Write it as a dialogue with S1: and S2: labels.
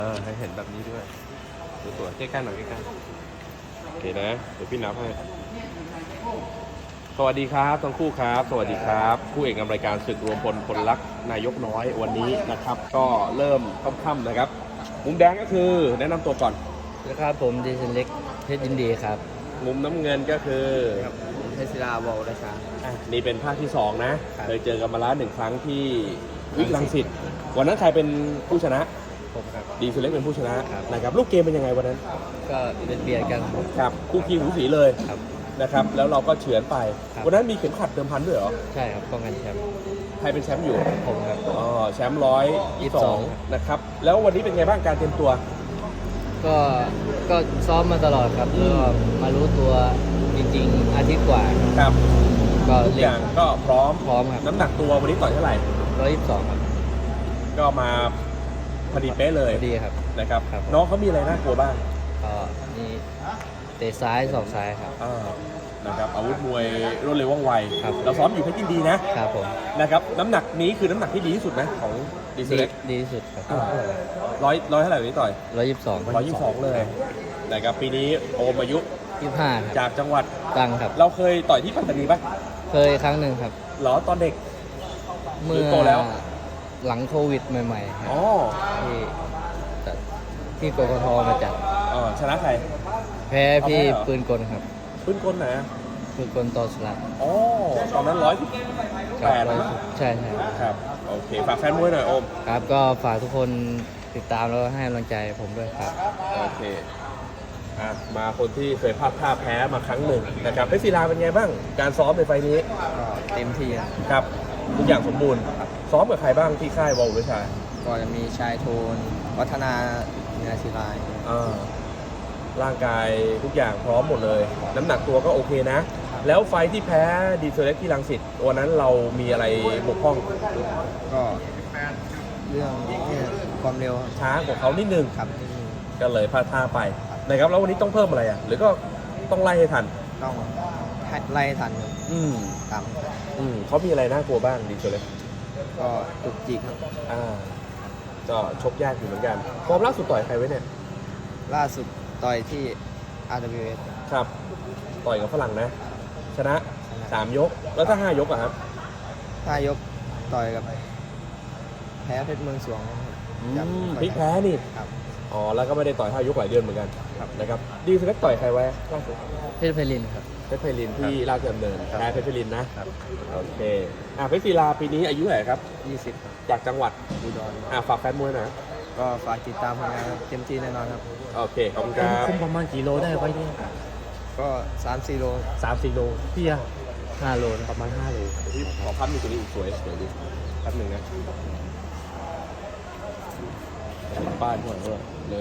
S1: ให้เห็นแบบนี้ด้วยสวยๆใกล้ๆหน่อยใกล้ๆโอเคนะเดี๋ยวพี่นับให้สวัสดีครับทั้งคู่ครับสวัสดีครับคู่เอกนำรายการศึกรวมพลพลรักนายกน้อยวันนี้นะครับก็เริ่มค่ำๆนะครับมุมแดงก็คือแนะนำตัวก่อน
S2: นะครับผมดีเซนเล็กเพชรยินดีครับ
S1: มุมน้ำเงินก็คือ
S2: เพชรศิลาวอลราชา
S1: นี่เป็นภาคที่2นะครับ เคยเจอกันมาแล้ว1 ครั้งที่วิกรังสิตวันนั้นใครเป็นผู้ชนะ
S2: ผมครับ
S1: ดีสุเล็กเป็นผู้ชนะครับ
S2: ครับ
S1: นะครับลูกเกมเป็นยังไงวันนั้น
S2: ก็เบียดกัน
S1: ครับคู่ขี้หูสีเลย
S2: ครับ
S1: นะครับแล้วเราก็เฉือนไป
S2: ครับ
S1: วันนั้นมีเข็มขัดเดิมพันด้วยเหรอ
S2: ใช่ครับป้องกันแชมป์
S1: ใครเป็นแชมป์อยู่
S2: ผมครับ
S1: อ๋อแชมป์122นะครับแล้ววันนี้เป็นไงบ้างการเตรียมตัว
S2: ก็ซ้อมมาตลอดครับแล้วก็มารู้ตัวจริงๆอาทิตย์กว่าครับ
S1: ครับ
S2: ก็
S1: ทุก
S2: เล่
S1: อน ย่างก็พร้อม
S2: พร้อมครับ
S1: น้ำหนักตัววันนี้ต่อยเท่าไหร่
S2: 122ครับ
S1: ก็มาพอดีเป๊ะเลย
S2: ดีครับ
S1: นะครับ
S2: ครับ
S1: น้องเขามีอะไรน่ากลัวบ้าง
S2: ก็นี่เตะซ้ายศอกซ้ายครับ
S1: นะครับอาวุธมวยรวดเร็วว่องไว
S2: ครับ
S1: เราซ้อมอยู่เพชรยินดีนะครับ
S2: ผม
S1: นะครับน้ำหนักนี้คือน้ำหนักที่ดีที่สุดไหมของดีเซ
S2: ดี
S1: เล็ก
S2: ดีที่สุดครับ
S1: ร้อยเท่าไหร่วันนี้ต่อย
S2: 122
S1: 122เลยนะครับปีนี้โอมอายุ
S2: 25ครับ
S1: จากจังหวัด
S2: ตังครับ
S1: เราเคยต่อยที่ปัตตานีปะ
S2: เคยครั้งหนึ่งครับ
S1: เหรอตอนเด็ก
S2: เมื่อ
S1: โตแล้ว
S2: หลังโควิดใหม่ๆครับ
S1: อ๋อ
S2: ที่จัดที่กกทมาจัด
S1: ชนะใคร
S2: แพ้พี่
S1: เอาแพ้เหรอ
S2: ปืนกลครับ
S1: ปืนกลไหนอะ
S2: ปืนกลต่อสลับ
S1: อ๋อตอนนั้น118
S2: ใช่ใช่
S1: ครับโอเคฝากแฟนมวยหน่อยโอม
S2: ครับก็ฝากทุกคนติดตามแล้วก็ให้กำลังใจผมด้วยครับ
S1: โอเคมาคนที่เคยพลาดท่าแพ้มาครั้งหนึ่งนะครับเพชรศิลาเป็นไงบ้างการซ้อมในไฟล์นี้
S2: ก็เต็มที่
S1: ครับทุกอย่างสมบูรณ์ซ้อมกับใครบ้างที่ค่ายวอลวิชา
S2: ก็จะมีชายโทนวัฒนาเนื้อศิลาย
S1: ร่างกายทุกอย่างพร้อมหมดเลย น้ำหนักตัวก็โอเคนะ แล้วไฟล์ที่แพ้ดีเซลเล็กที่รังสิตวันนั้นเรามีอะไรบกพร่อง
S2: ก็เรื่องความเร็ว
S1: ช้ากว่าเขานิดนึง
S2: ครับ
S1: ก็เลยพลาดท่าไปนะครับแล้ววันนี้ต้องเพิ่มอะไรหรือก็ต้องไล่ให้ทัน
S2: ต้องไล่ทัน
S1: อืม
S2: ตาม
S1: เขามีอะไรน่ากลัวบ้างดีเซลเล็ก
S2: ก็จุกจิก
S1: ก็ชกยากอยู่เหมือนกันฟอร์มล่าสุดต่อยใครไว้เนี่ย
S2: ล่าสุดต่อยที่ RWS
S1: ครับ ต่อยกับฝรั่งนะ ชนะ 3 ยก แล้วถ้า 5 ยกอะครับ
S2: ถ้ายกต่อยกับแพ้เพชรเมืองสวงครับ
S1: พลิกแพ้นี่
S2: ครับ
S1: อ๋อ แล้วก็ไม่ได้ต่อย 5 ยกหลายเดือนเหมือนกัน
S2: ครับ
S1: นะครับ ดีสุดต่อยใครไว้ล่าสุด
S2: เพชรไพลินครับ
S1: เพชรไพลินที่ราชดำเนิน
S2: ครับ
S1: แพ้เพชรไพลินนะ
S2: ครับ
S1: โอเคเพชรศิลาปีนี้อายุเท่าไหร่ครับ
S2: 20ครับ
S1: จากจังหวัด
S2: อุดร
S1: ฝากแฟนมวยหนะ
S2: ก็ฝากติดตามผลงานครับเต็มที่แน่นอนครับ
S1: โอเค ขอบคุณครับ
S3: คุมประมาณกี่โลได้ไว้เนี่ย
S2: ก็ 3-4 โล
S1: 3-4 โล
S3: พี่อะ
S2: 5 โลนะ
S1: ประมาณ 5 โลเดี๋ยวพี่ขอพับมีตัวนี้อีกสวยดิแป๊บหนึ่งนะบ้านก่อนด้วย